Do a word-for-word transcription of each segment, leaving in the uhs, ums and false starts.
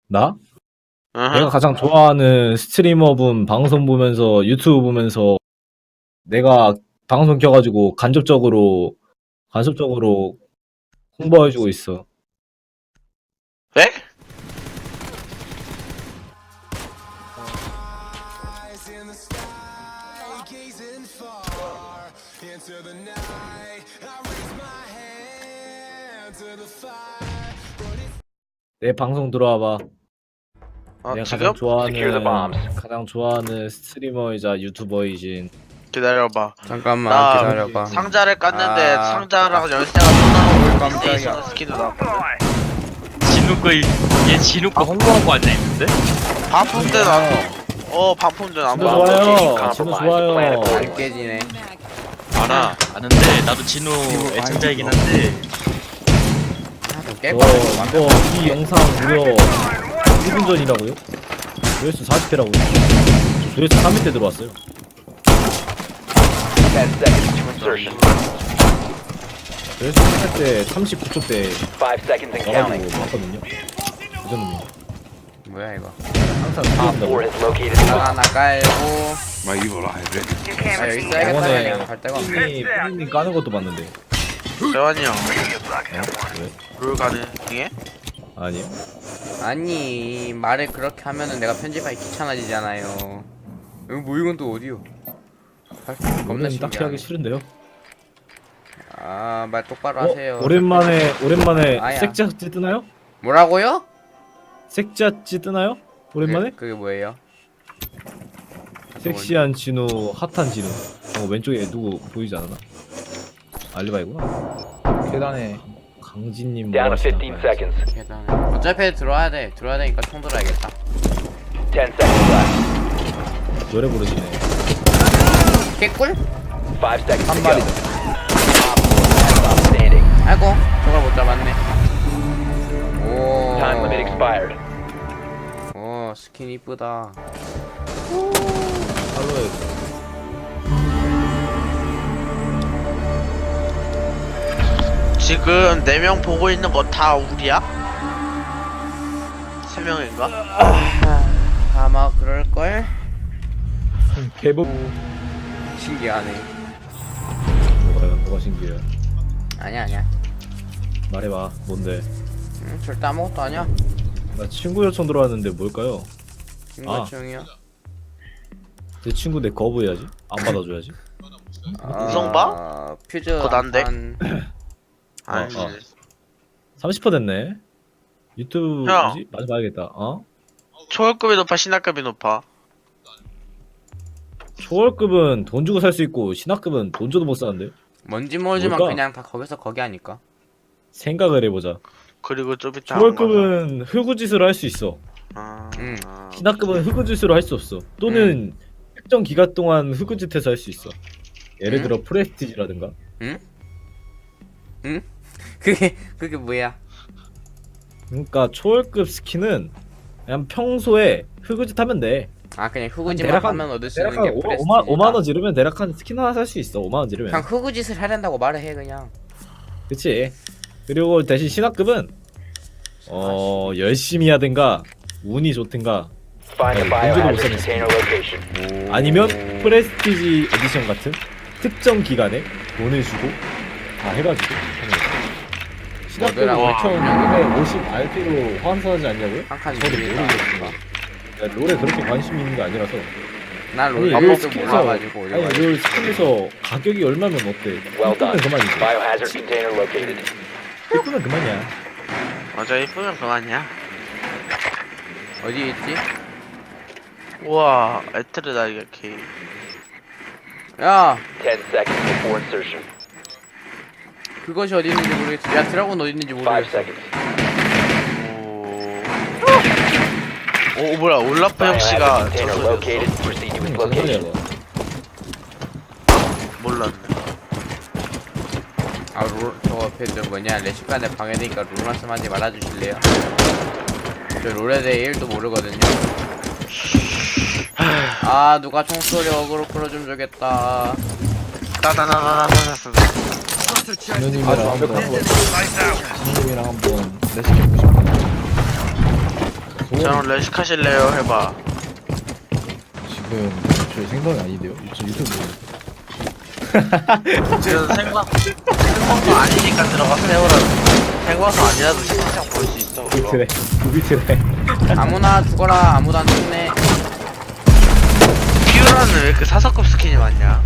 나? 으흠. 내가 가장 좋아하는 스트리머분 방송 보면서 유튜브 보면서 내가 방송 켜가지고 간접적으로 간접적으로 홍보해주고 있어. 네? 내 방송 들어와봐. 아, 내가 지금? 가장 좋아하는 가장 좋아하는 스트리머이자 유튜버이진. 기다려봐. 잠깐만 나 기다려봐. 상자를 깠는데 아, 상자랑 열쇠가 또 나오고 깜짝이야. 있는 스킨도 나왔거든. 진우 거, 얘 진우 거 홍보하고 앉아있는데? 반품대 나왔어. 어, 반품대 진우 나왔어. 좋아요. 진우 좋아요. 안 깨지네. 알아, 아는데 나도 진우 애청자이긴 한데 아, 좀 저 깰까? 이거 이 영상 무려 일 분 전이라고요? 조회수 사십 회라고요? 저 조회수 삼 회 때 들어왔어요. ten seconds to insertion. 조회수 삼 회 때 삼십구 초 때 Five seconds and counting. 와가지고 봤거든요. 그 정도면 뭐야 이거? 항상 Op 들어온다고. four has located the 하나 bomb. 하나 깔고. My evil eye ready. 아 여기 써야겠다. 저번에 그냥 갈 데가 없네. 푸니님 푸니님 까는 것도 봤는데. 재환이 형, 어? 왜? 룰 가능해? 아니요. 아니 말을 그렇게 하면은 내가 편집하기 귀찮아지잖아요. 이거 뭐 이건 또 어디요? 할- 겁나 겁나 딱히 신기하네. 하기 싫은데요. 아말 똑바로 어? 하세요. 오랜만에 오랜만에 아야. 색자찌 뜨나요? 뭐라고요? 색자찌 뜨나요? 오랜만에? 그게, 그게 뭐예요? 섹시한 진우, 핫한 진우. 어, 왼쪽에 누구 보이지 않나? 알리바이구나. 계단에 강진님 뭐 Down to 하시나 fifteen 봐요. seconds. 계단에. 어차피 들어와야 돼. 들어와야 되니까 총 들어야겠다. Ten seconds left. 노래 부르시네. 개꿀? Five seconds 한 to go. 마리다. Op four last stop standing. 아이고 저걸 못 잡았네. 오. Time limit expired. 오 스킨 이쁘다. 팔로에 지금 네 명 보고 있는 거 다 우리야? 세 명인가? 아마 그럴걸? 개복. 신기하네. 뭐가 뭐가 신기해요. 아니야 아니야. 말해봐. 뭔데? 응, 절대 아무것도 아니야. 나 친구 요청 들어왔는데 뭘까요? 인거충이야. 제 친구 내 거부해야지. 안 받아줘야지. 우성바? 아, 퓨즈 그거 난데? 한- 아니, 어. 삼십 퍼센트 됐네. 유튜브 형. 뭐지? 많이 봐야겠다. 어? 초월급이 높아, 신화급이 높아? 초월급은 돈 주고 살 수 있고 신화급은 돈 줘도 못 사는데. 뭔지 모르지만 뭘까? 그냥 다 거기서 거기 하니까. 생각을 해보자. 그리고 좀 이따 초월급은 흑우짓으로 할 수 있어. 아, 응. 아, 신화급은 흑우짓으로 할 수 없어. 또는 특정 기간 동안 흑우짓해서 할 수 있어. 예를 응? 들어 프레스티지라든가. 응? 응? 그게 그게 뭐야? 그러니까 초월급 스킨은 그냥 평소에 흑우짓 하면 돼. 아 그냥 대략 흑우짓만 한- 하면 얻을 수 있는 대략 게 한 프레스티지다. 오만, 오만 원 지르면 대략 한 스킨 하나 살 수 있어. 오만 원 지르면. 그냥 흑우짓을 하려고 말을 해 그냥. 그치. 그리고 대신 신화급은 어 열심히 하든가 운이 좋든가 Find the 아니, 문제도 못 biohazard 찾았어. container location. 아니면 프레스티지 에디션 같은 특정 기간에 돈을 주고 다 해가지고 하는 거지. 신화급은 뭐더라? 오천육백오십 알피로 환산하지 않냐고요? 한 칸 저도 이기니까. 모르겠지만 야, 롤에 그렇게 관심이 있는 게 아니라서. 난 아니, 롤 롤 아무것도 스킨에서 몰라가지고 아니 올려가지고. 롤 스킨에서 가격이 얼마면 어때? Well 이쁘면 done. 그만이지. Biohazard container located. 이쁘면 그만이야. 맞아, 이쁘면 그만이야. 어디 있지? 우와, 에트르다, 이게 케이. 야 Ten seconds before insertion. 그것이 어디 있는지 모르겠어. 야 드라곤 어디 있는지 Five 모르겠어. seconds. 오. 오, 뭐야, 올라프 형씨가 Biohazard container 저소리였어? located. Proceed to its location. 몰랐네. 아 롤 저거 저 뭐냐 레시간에 방해되니까 롤 말씀하지 말아주실래요? 저 롤에 대해 일도 모르거든요. 아 누가 총소리 어그로 끌어좀 주겠다. 따다다다다다다. 진우님이랑 한번 진우님이랑 한번 레시피 보고 싶다. 저랑 레식 하실래요? 해봐. 지금 저희 생방이 아닌데요? 저 유튜브 지금 생방 생방송 아니니까 들어가 세우라고. 생방송 아니라도 생방송 볼 수 있어. 그거. 비트래 비트래 아무나 죽어라. 아무도 안 죽네. 피오라는 왜 이렇게 사사급 스킨이 많냐?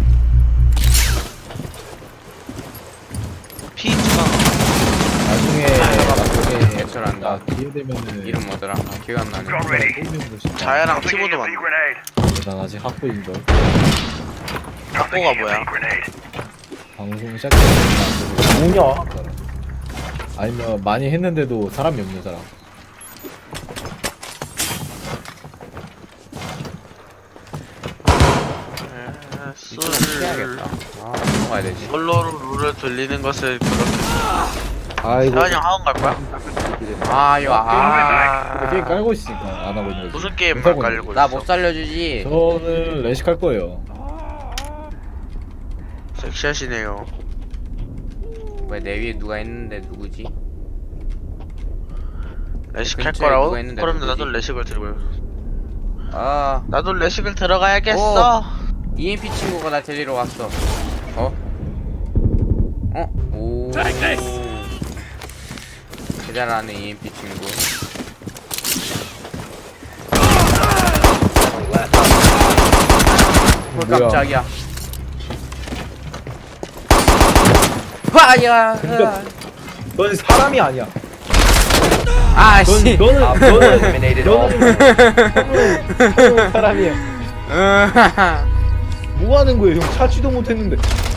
피투가 나중에 나중에 개설한다. 아, 기회 되면은 이름 뭐더라? 아, 기억 안 나네. 자야랑 티모도 많네. 난 아직 학부인걸. 학고가 뭐야? 방송 시작했는데 뭐냐? 아니면 많이 했는데도 사람이 없는 사람. 이거 술 해야겠다. 아, 넘어가야 되지. 솔로로 룰을 돌리는 것을 그렇게 아이고. 세환이 형 학원 갈 거야? 아, 이거 아. 게임 깔고 있으니까 안 하고 있는 거지. 무슨 게임만 하고 깔리고 나 있어? 못 살려주지. 저는 레식 할 거예요. 섹시하시네요. 왜 내 위에 누가 있는데 누구지? 레식 할 근처에 거라고? 누가 있는데 그럼 누구지? 나도 레식을 들고 아, 나도 레식을 들어가야겠어. 이엠피 친구가 나 데리러 왔어. 어? 어? 오. 대단하네 이엠피 친구. 뭘 뭐야? 깜짝이야. 와야. 근데- 넌 사람이 아니야. 아씨. 넌 너는 너는 Eliminated all. 너는 사람이야. 뭐 하는 거예요? 형 차지도 못했는데.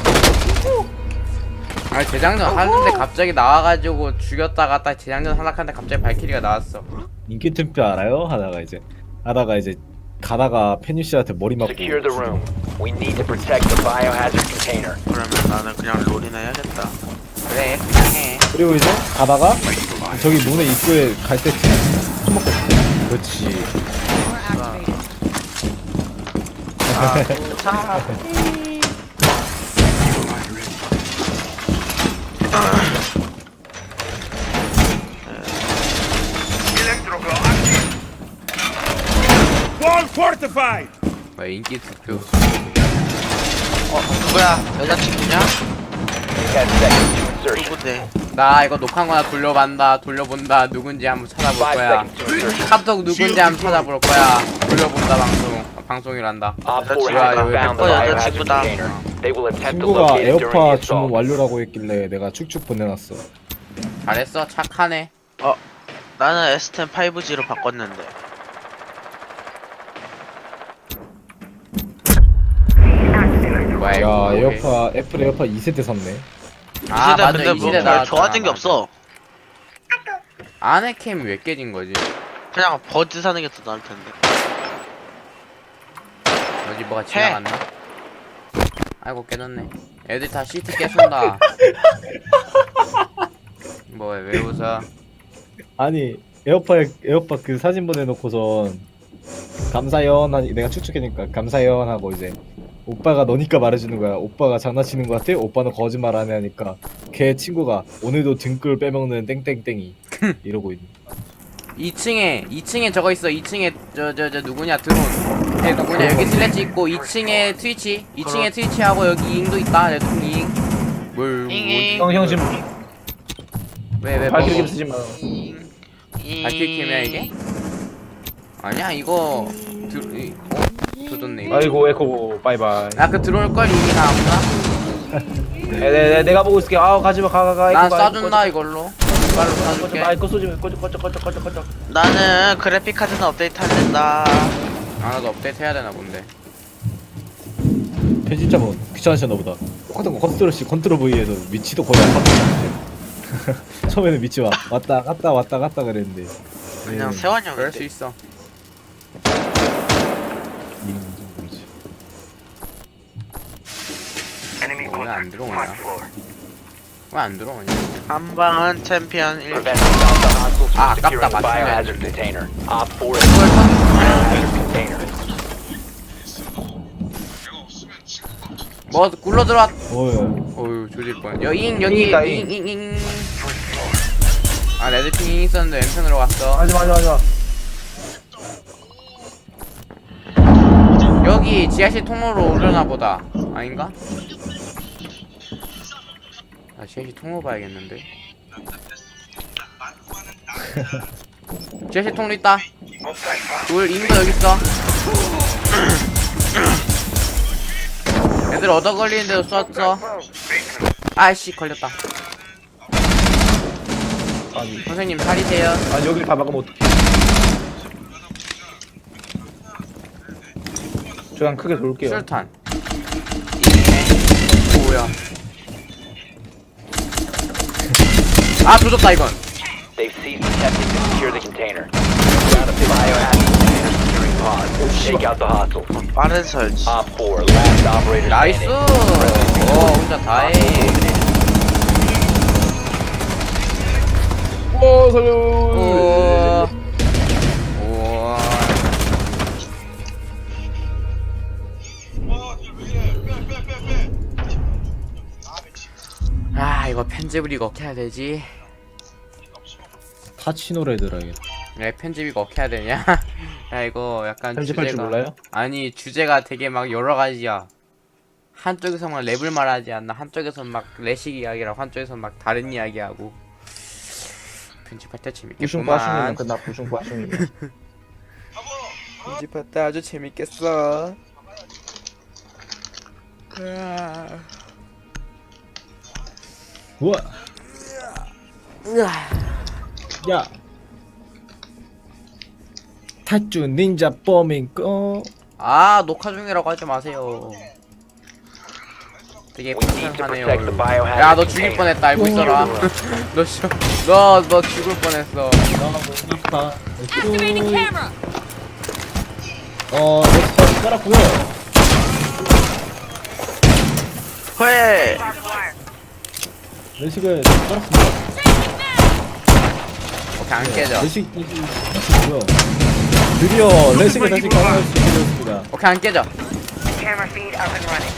아 재장전 하는데 갑자기 나와가지고 죽였다가 딱 재장전 하락하는데 갑자기 발키리가 나왔어. 인기 투표 알아요? 하다가 이제 하다가 이제 가다가 페뉴 씨한테 머리 맞고. Secure the room. We need to protect the biohazard container. 그러면 나는 그냥 롤이나 해야겠다. 그래 그냥 해. 그리고 이제 가다가 저기 문에 입구에 갈 때쯤 술 먹고 있어. 그렇지. 뭐 인기 투표. 어 누구야? 여자친구냐? ten seconds to insertion. 누군데? 나 이거 녹화한 거나 돌려본다 돌려본다 누군지 한번 찾아볼 Five 거야. seconds to insertion. 카톡 누군지 한번 찾아볼 거야. 돌려본다 방송. 아, 방송이란다. Op four 여자친구야, has not 여기 found the 어, biohazard 여자친구다. container. They will attempt to 친구가 locate it during the 에어팟 주문 assault. 완료라고 했길래 내가 축축 보내놨어. 잘했어 착하네. 어 나는 에스 텐 파이브 지로 바꿨는데. 뭐야 야 이거. 뭐해. 에어팟 애플 에어팟 이 세대 샀네. 아 이 세대 맞아 근데 이 뭐 시대 별 나 좋아진 게 없어. 안에 캠 왜 깨진 거지? 그냥 버즈 사는 게 더 나을 텐데. 어디 뭐가 지나갔나? 아이고 깨졌네. 애들 다 시트 깨순다. 뭐야 왜 웃어? 아니 에어팟 에어팟 그 사진 보내놓고선 감사연 하니 내가 축축해니까 감사연 하고 이제 오빠가 너니까 말해주는 거야. 오빠가 장난치는 거 같아? 오빠는 거짓말 안 해 하니까 걔 친구가 오늘도 등골 빼먹는 땡땡땡이 이러고 있는. 이 층에 이 층에 저거 있어. 이 층에 저 저 저 누구냐 드론. 걔 누구냐 여기 슬래치 있고 이 층에 트위치. 이 층에 트위치하고 여기 잉도 있다. 레드풍 잉. 뭘 잉잉. 뭐지? 형 지금 왜왜 발키리 뭐, 쓰지 마. 발키리 캠이야 이게? 아니야 이거 드 이, 어? 조졌네 이거. 아이고 에코 바이바이. 아그 들어올 걸 이미 다 아무나? 네, 네, 내가 보고 있을게. 아 가지마 가가가. 난 쏴준다 이걸로. 이걸로 쏴줄게. 아 이거 쏘지 마. 꺼져 꺼져 꺼져 꺼져 꺼져. 나는 그래픽 카드는 업데이트 안 된다. 아 나도 업데이트 해야 되나 본데. 편집자분 귀찮으셨나 보다. 똑같은 거 컨트롤 C 컨트롤 V에서 위치도 거의 안 바뀌었는데. 처음에는 위치 와 왔다 갔다 왔다 갔다 그랬는데. 그냥 네, 세환이 그럴 수 형인데. 있어. 이름 좀 모르지. 왜 안 들어오냐? 왜 안 들어오냐? 한방은 챔피언 일. Preventing the hostiles Ah, from securing the 아깝다, 맞추면 biohazard 되는데. container. Op four has secured the biohazard container. 뭐 굴러 들어왔. 어휴. 어유 조질 뻔. 여잉 여기 잉이다, 잉 잉 잉. 아 레드핑 잉 있었는데 왼편으로 갔어. 하지마 하지마 하지마. 지하실 통로로 오려나 보다. 아닌가? 아 지하실 통로 봐야겠는데. 지하실 통로 있다. 둘 인도 여기 있어. 애들 얻어 걸리는데도 쐈어. 아이씨 걸렸다. 아니 선생님 살이세요. 아니 여기를 다 막으면 어떡해. 저 그냥 크게 돌게요. 술탄. 뭐야? 아 조졌다 이건. They've ceased attempting to secure the container. Found a biohazard container securing pods. Take out the hostiles. 빠른 설치. Op four, last operator 나이스. standing. 오 혼자 다해. 오 살려. 우와. 우와. 아 이거 편집을 이거 어떻게 해야 되지? 타치 노래 들어야겠다. 왜 편집 이거 어떻게 해야 되냐? 야 이거 약간 편집할 줄 주제가 몰라요? 아니 주제가 되게 막 여러 가지야. 한쪽에서만 랩을 말하지 않나? 한쪽에서 막 레식 이야기라고 한쪽에서 막 다른 이야기하고. 편집할 때 부슝 재밌겠구만. 빠슝이면 끝나. 부슝 빠슝이면. 편집할 때 아주 재밌겠어. 우와. 야. 타쭈 닌자 뽀밍고. 아 녹화 중이라고 하지 마세요. 되게 We need to 불쌍하네요. protect the biohazard 야 너 죽일 container. 뻔했다 알고 있어라. 너너너 죽을 뻔했어. 아파. 어, 렉스터 깔았고요. 회. 레식을 깔았습니다. 오케이 안 깨져. 레식 깔았고요. 드디어 레식을 다시 가능할 수 있게 되었습니다. 오케이 안 깨져. Camera feed up and running.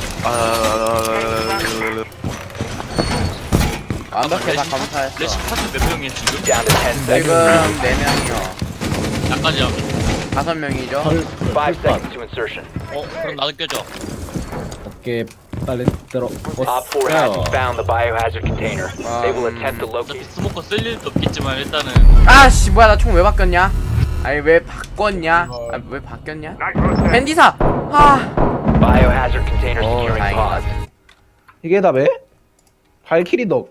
완벽해 다 감사했어. 레시 파트 몇 명이야 지금? Down to ten 지금 seconds. 네 명이요. 약까지 하면. 다섯 명이죠. Five seconds to insertion. 어 그럼 나도 껴줘. 어깨 빨리 들어. Op four hasn't found the biohazard container. They will attempt to 어차피 locate. 스모커 쓸 일도 없겠지만 일단은 아씨 뭐야 나 총 왜 바꿨냐? 아니 왜 바꿨냐? 아, 왜 바뀌었냐? 밴디사. 아. Biohazard container 오 securing 다행이다. pods. 이게 다 왜? 발키리 덕.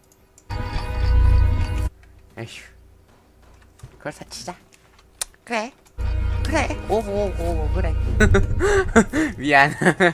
에휴. 그걸 사치자. 그래. 그래. 오고 오고 오고 그래. 미안.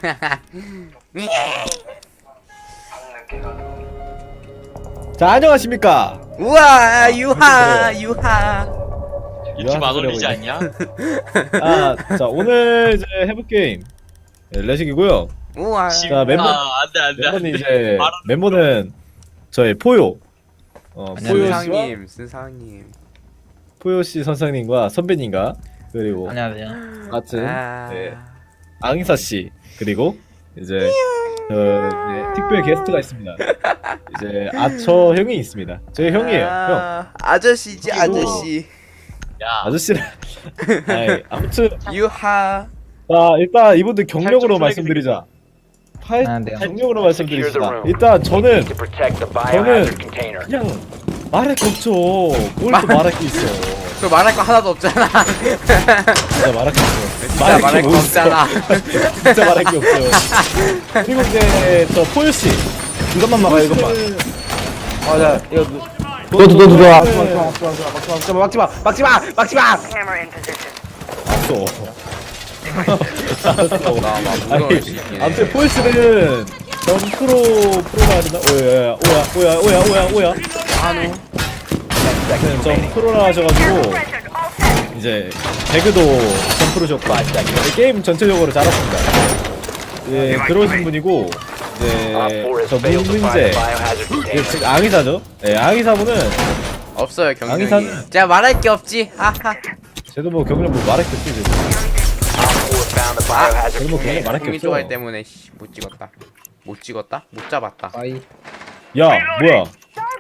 자, 안녕하십니까? 우와 유하 유하. 유튜브 안 소리 올리지 하고 않냐? 아, 자, 오늘 이제 해볼 게임 네, 레식이고요. 우와. 자, 멤버 아 안돼 안돼 멤버는 안돼. 이제 말은 멤버는 저희 포요. 어, 포요 씨와 순상님 순상님. 포요 씨 선생님과 선배님과 그리고 안녕하세요. 같은 아. 네, 앙사 씨 그리고 이제 저 이제 특별 게스트가 있습니다. 이제 아처 형이 있습니다. 저희 형이에요. 형. 아, 아저씨지 그리고- 아저씨. 야 아저씨를. 아이, 아무튼 유하. 자 일단 이분들 경력으로 팔 점 말씀드리자. 팔 아, 네. 경력으로 말씀드리자. 일단 저는 To protect the biohazard container. 그냥 말할 게 없죠. 뭘 또 말할 게 있어. 저 말할 거 하나도 없잖아. 진짜 말할 게 없어. 진짜 말할 거 뭐 있어. 없잖아. 진짜 말할 게 없어요. 그리고 이제 저 포유 씨. 이것만 막아 이것만. 어, 아자 이거 너도 너도 들어와. 막지마 막지마 막지마 막지마. Camera in position. 알았어. 알았어. 나막 아니, 무서울 수 있긴 해. 아무튼 포유 씨는 전 프로 프로가 아니나 오야 오야 오야 오야 오야 오야. 한우. 네, 전 프로라 하셔가지고 이제 배그도 전 프로셨고 게임 전체적으로 잘하십니다. 예 그러신 분이고 이제 Op four has 저 failed to find 문제 the biohazard 예, container. 즉 앙이사죠. 예 앙이사분은 없어요 경력이. 앙이사는 제가 말할 게 없지. 하하. 쟤도 뭐 경력 뭐 말할 게 없지. 쟤도. Op four found the biohazard 쟤도 뭐 경력 container. 말할 게 공이 없어. 좋아할 때문에 씨, 못 찍었다. 못 찍었다? 못 잡았다. 아이 야 뭐야?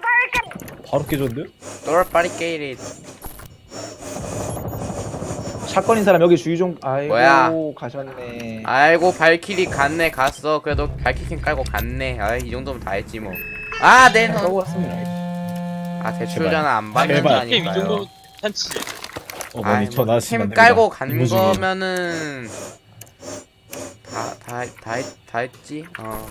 바로 깨졌는데? 널 빠리 게이리. 사건인 사람 여기 주의 좀. 아이고 뭐야? 가셨네. 아이고 발키리 갔네 갔어. 그래도 발키리 깔고 갔네. 아이 이 정도면 다 했지 뭐. 아 내눈. 하고 왔습니다. 아 대출 전화 안 제발. 게임 이 받는다니까요. 정도 괜찮지. 어머니 아이, 저 뭐, 나시면 캠 깔고 간 거면은 다 다 다 다 했지. 어.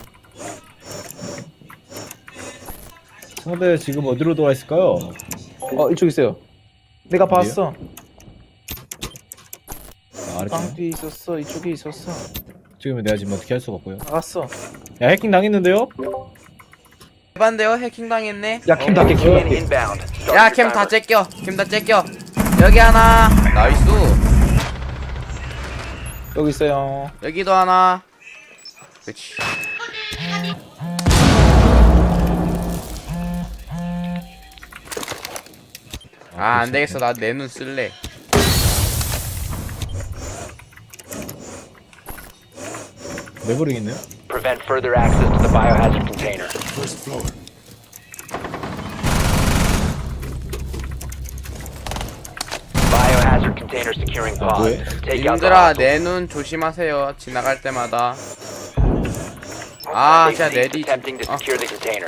상대 지금 어디로 돌아 있을까요? 어 이쪽 있어요. 내가 봤어. 아, 아래쪽. 빵 뒤에 있었어. 이쪽에 있었어. 지금은 내가 지금 어떻게 할 수가 없고요. 나갔어. 야 해킹 당했는데요? 해반데요? 해킹 당했네. 야 캠 닫게 캠 닫게. Inbound. Start 야 your 캠 다 timer. 째껴. 캠 다 째껴. 여기 하나. 나이스. 여기 있어요. 여기도 하나. 그렇지. 아 안되겠어 나 내 눈 쓸래. 내버리겠네요. Prevent further access to the biohazard container. First floor. Biohazard container securing 아, pod. 뭐해? Take out the 님들아 hostiles. 내 눈 조심하세요. 지나갈 때마다. 아 진짜 Safety 내디 attempting to 아, secure the container.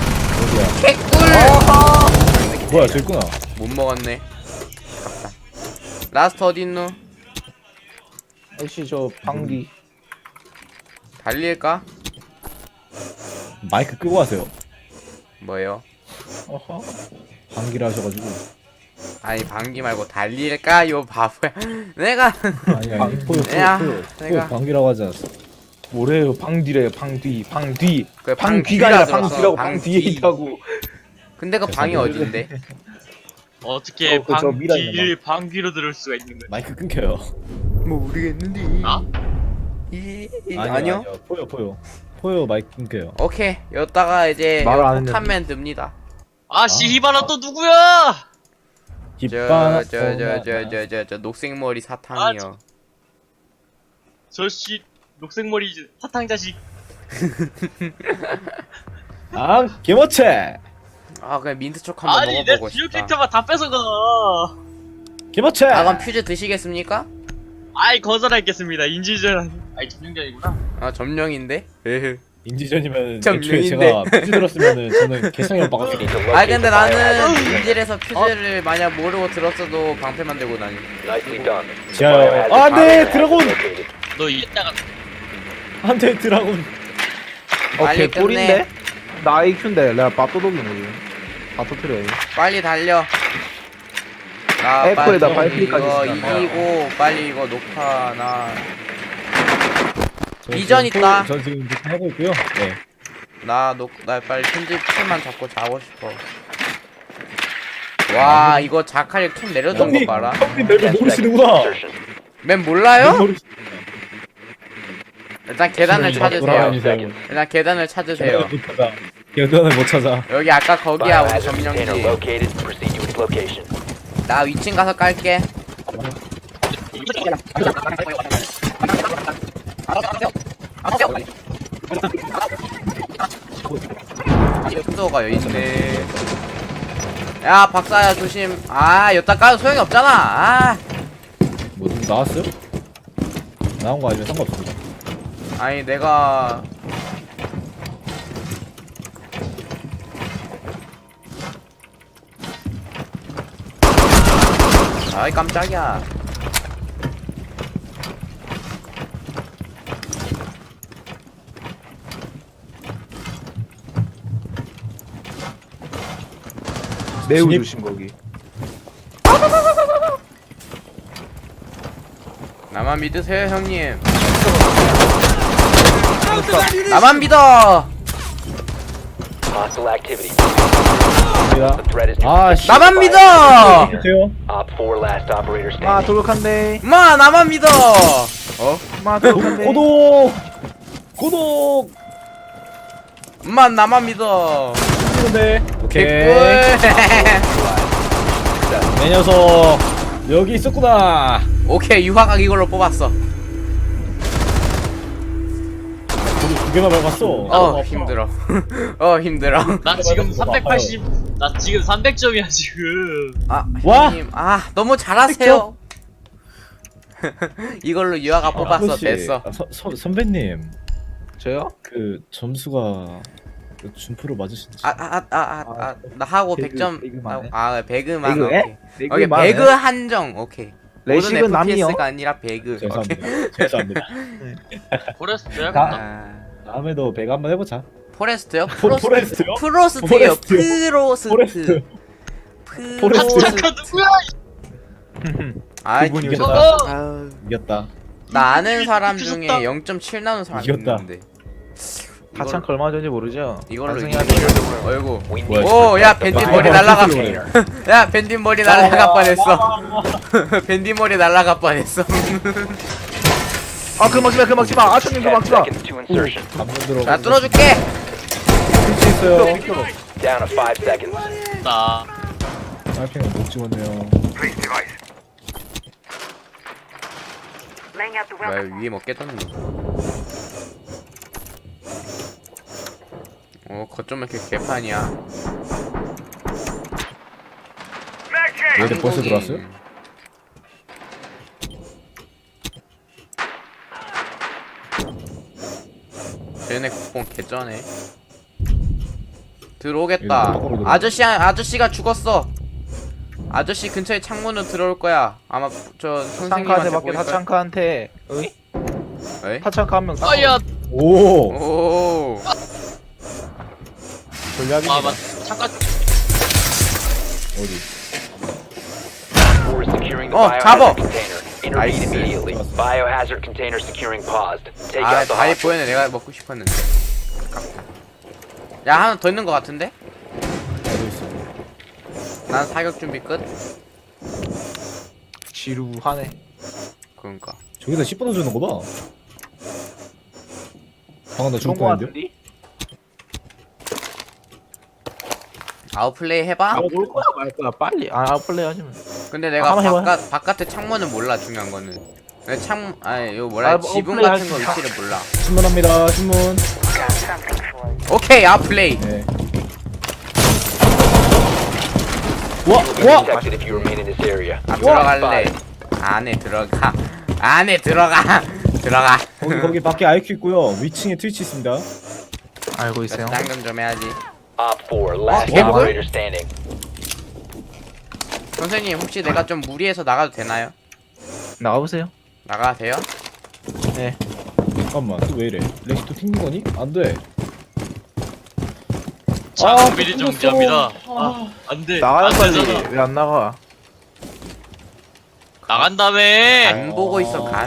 개꿀 뭐야 저 있구나. 못 먹었네. 아깝다. 라스트 어딨노? 혹시 저 방귀. 달릴까? 마이크 끄고 하세요. 뭐요? 어허. 방귀를 하셔가지고. 아니 방귀 말고 달릴까? 요 바보야. 내가 아니 아니 포요 포요 야, 포요 내가- 포요 방귀라고 하지 않았어. 뭐래요? 방뒤래요. 방뒤. 방뒤. 그 방귀가 아니라 방귀라 방뒤라고 들었어, 방뒤에 방귀. 있다고. 근데 그 방이 어딘데? 어떻게 어, 그저 미라 있는 방귀를 방귀로 들을 수가 있는 거야? 마이크 끊겨요. 뭐 모르겠는데. 아? 이, 이, 아니요, 아니요? 아니요. 포요 포요 포요 마이크 끊겨요. 오케이. 여기다가 이제 말을 안 폭탄맨 듭니다. 아 씨바라 또 누구야? 깃발. 저 저 저 저 저 저 저 녹색 머리 사탕이요. 저씨 녹색머리 사탕 자식. 아 개머체. 아 그냥 민트초코 한번 아니 내 먹어보고 주요 싶다. 캐릭터만 다 뺏어가. 개머체. 아 그럼 퓨즈 드시겠습니까? 아이 거절하겠습니다. 인지전. 아이 점령전이구나. 아 점령인데? 에헤. 인지전이면 좀 애초에 류인데. 제가 퓨즈 들었으면은 저는 개성이 오빠가 You need to 아 locate 근데 the 나는 biohazard. 인질에서 퓨즈를 만약 모르고 들었어도 방패 만들고 다니. Nicely done. The 지하요. biohazard 아, 네, container has 드래곤! been located. 너 이따가 한대 드라군. 빨리 오케이 끝내. 꿀인데. 나 아이큐인데 내가 밥도둑인 거지. 다 터트려. 빨리 달려. 나 에코에다 빨리 발키리까지 이거 있으니까. 이기고 빨리 이거 녹화 나. 저 비전 지금 있다. 포- 저 지금 이렇게 하고 있고요. 네. 나 녹, 나 빨리 편집 툴만 잡고 자고 싶어. 와 이거 자칼 툴 내려둔 거 봐라. 형님 맵을 ten seconds to 모르시는구나. insertion. 맨 몰라요? 모르시- 일단 계단을 지금 찾으세요. 돌아다니세요. 일단 계단을 찾으세요. 계단을 못 찾아. 계단을 못 찾아. 여기 아까 거기야 우리 Biohazard container 점령지. located. Proceed to its location. 나 위층 가서 깔게. 순서가 여기 있네. 야 박사야 조심. 아 여기다 까도 소용이 없잖아. 아 뭐 누구 나왔어요? 나온 거 아니면 상관없습니다. 아니 내가 아이 깜짝이야. 매우 진입- 조심 거기. 나만 믿으세요 형님. 나만 믿어. Hostile activity. 갑니다. The threat is to 아, 씨. 나만 믿어. 돼요? Op four last operator 마 standing. 돌격한데. 마 나만 믿어. 어? 마 돌격한데. 고독. 고독. 마 나만 믿어. 근데 오케이. 개꿀. 내 녀석 여기 있었구나. 오케이 유화각 이걸로 뽑았어. 우리 두 개나 밟았어. 어 힘들어. 어 힘들어. 나 지금 이거 삼백팔십. 나 지금 삼백 점이야 지금. 아 와! 형님 아 너무 잘하세요. 이걸로 유아가 뽑았어. 아저씨, 됐어. 아, 서, 서, 선배님 저요? 그 점수가 그 준프로 맞으신지. 아 아 아 아 아 나 하고 배그, 백 점. 배그만 해? 아 배그만. 배그 해? 오케이. 배그 오케이 만 해? 배그 한정. 오케이. 모든 레식은 남이요. 에프피에스가 아니라 배그. 오케이. 죄송합니다. 죄송합니다. 포레스트 해야겠다. 아, 다음에도 배가 한번 해보자. 포레스트요? 포- 프로스트. 포레스트요? 프로스트요. 포레스트요? 프로스트. 포레스트. 프로스트. 잠깐 누구야? 아, 그분이 이겼다. 오셨다. 아유, 이겼다. 나 아는 사람 미쳤다. 중에 영 점 칠 나오는 사람 이겼다. 있는데. 하찮 얼마 전인지 모르죠? 이걸로 반성해야 이기는 돼요. 거야. 어이구. We 뭐야, need 오, 야 밴딧 아, 머리 아, 날라가. 그래. 야 밴딧 머리 날라가 뻔했어. 밴딧 머리 날라가 뻔했어. 아, 그 막지마, 그 막지마. 아천님 그 ten 막지마. seconds to insertion. 감문 들어. 나 뚫어줄게. 스위치 있어요. Down to five seconds. 나 빨팽은 못 찍었네요. Place device. Laying out the 뭐야 welcome. 위에 먹겠다는 거. 어, 거점 이렇게 개판이야. 얘들 벌써 들어왔어요? 쟤네 국뽕 개쩌네. 들어오겠다. 얘들 밖으로 들어와. 아저씨 아저씨가 죽었어. 아저씨 근처에 창문으로 들어올 거야. 아마 저 타창카한테 선생님한테 밖에 보일 거야. 타창카한테. 어이? 에이? 타창카 한 명. 아야. 오. 오. 전략입니다. 아 맞. 잠깐. 어디? Four is securing the Oh, 잡어. biohazard container. Intervene Nice. immediately. Biohazard container securing paused. Take 아 out the 다리 hostage. 보이네. 내가 먹고 싶었는데. 아깝다. 야 하나 더 있는 거 같은데? 어디 있어? 난 사격 준비 끝. 지루하네. 그러니까. 저기다 십 번 주는 거 봐. 방금 나 죽을 좋은 거 뻔했는데? 같은데? 아웃플레이 해봐. 아, 뭘 거야 말 거야 빨리. 아, 아웃플레이 하시면. 근데 내가 한번 해봐요. 바깥 바깥에 창문은 몰라. 중요한 거는. 내가 창 아니 이거 뭐라 아, 해? 뭐 지붕 아웃플레이 같은 거 할 수- 위치를 몰라. 신문합니다. 신문. Got something for you. 오케이 아웃플레이. 네. You 와, will be 와. detected if you remain in this area. 아 You are 들어갈래. spotted. 안에 들어가. 안에 들어가. 들어가. 거기 거기 밖에 아이큐 있고요. 위층에 트위치 있습니다. 알고 있어요. 당근 좀 해야지. Op four, last 개꿀? operator standing. 선생님 혹시 내가 좀 무리해서 나가도 되나요? 나가보세요. 나가도 돼요? 네. 잠깐만, 또 왜 이래? 렉시 또 튕긴 거니? 안 돼. 자 아, 미리 또 정지합니다. 아 안돼. 나가요 안 빨리. 되잖아. 왜 안 나가? 나간다며. 안 보고 있어 간.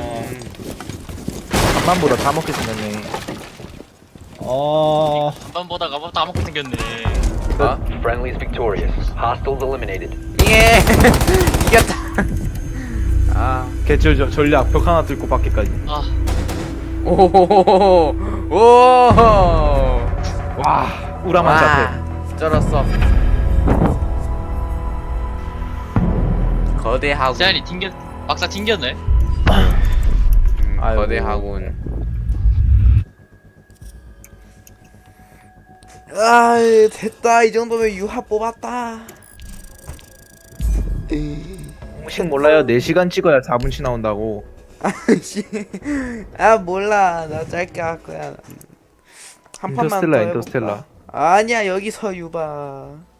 간만보다 다 먹게 생겼네. 아, 한번 보다가 뭐 다 먹고 생겼네. 어? Friendly is victorious. Hostiles eliminated. 예. 이겼다. 아. 개쩔 저 전략 벽 하나 뚫고 밖에까지. 아 오호호호호. 오. 와, 우라만 잡혀. 쩔었어. 거대하고. 세안이 튕겼. 막사 튕겼네. 음, 아이고. 거대하군. 아 됐다. 이 정도면 유하 뽑았다. 혹시 몰라요? 네 시간 찍어야 사 분치 나온다고. 아 몰라. 나 짧게 할 거야. 한 판만 더 인터스텔라, 해볼까? 인터스텔라. 아니야 여기서 유바.